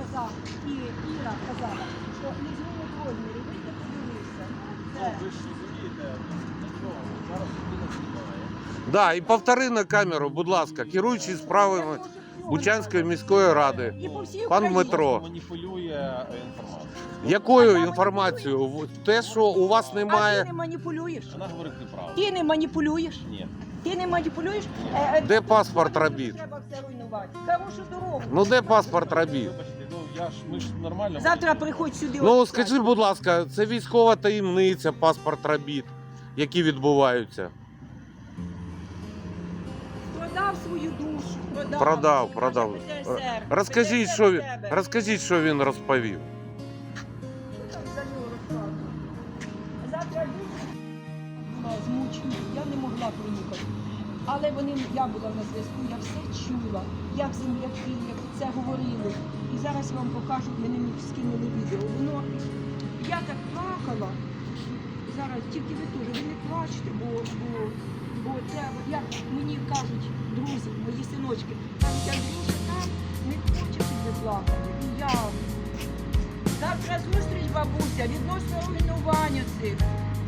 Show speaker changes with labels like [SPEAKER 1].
[SPEAKER 1] казав, і Іра казала, що не змінить розмірі, вийди подивися.
[SPEAKER 2] Ну, ви ж розумієте, нічого, зараз людина знімає.
[SPEAKER 3] Да, і повтори на камеру, будь ласка, керуючий справами Бучанської міської ради,
[SPEAKER 1] І по всій
[SPEAKER 3] пан
[SPEAKER 1] Україні.
[SPEAKER 3] Дмитро.
[SPEAKER 2] Маніпулює інформацією.
[SPEAKER 3] Якою інформацією? Те, що у вас
[SPEAKER 1] А ти
[SPEAKER 3] немає.
[SPEAKER 1] не маніпулюєш?
[SPEAKER 2] Вона говорить неправду.
[SPEAKER 1] Ти не маніпулюєш?
[SPEAKER 2] Ні.
[SPEAKER 1] Ти не маніпулюєш?
[SPEAKER 3] Де паспорт робіт?
[SPEAKER 1] Треба все руйнувати. Хорошу дорогу.
[SPEAKER 3] Ну де паспорт робіт?
[SPEAKER 2] Вибачте, ну ми ж нормально.
[SPEAKER 1] Завтра приходь сюди.
[SPEAKER 3] Ну
[SPEAKER 1] от
[SPEAKER 3] скажи, будь ласка, це військова таємниця, паспорт робіт, які відбуваються.
[SPEAKER 1] Продав свою душу.
[SPEAKER 3] Продав. Розкажіть, що він розповів.
[SPEAKER 1] Що там за нього розказувати? Завтра була змучена, я не могла приїхати. Але я була на зв'язку, я все чула, як земляки, як це говорили. І зараз я вам покажу, мені скинули відео. Я так плакала. Зараз тільки ви теж, ви не плачте, бо це, як мені кажуть друзі, мої синочки, кажуть, Андрюша там не хоче, щоб ви плакали. І я. Завтра зустріч, бабуся, відносно руйнування цих.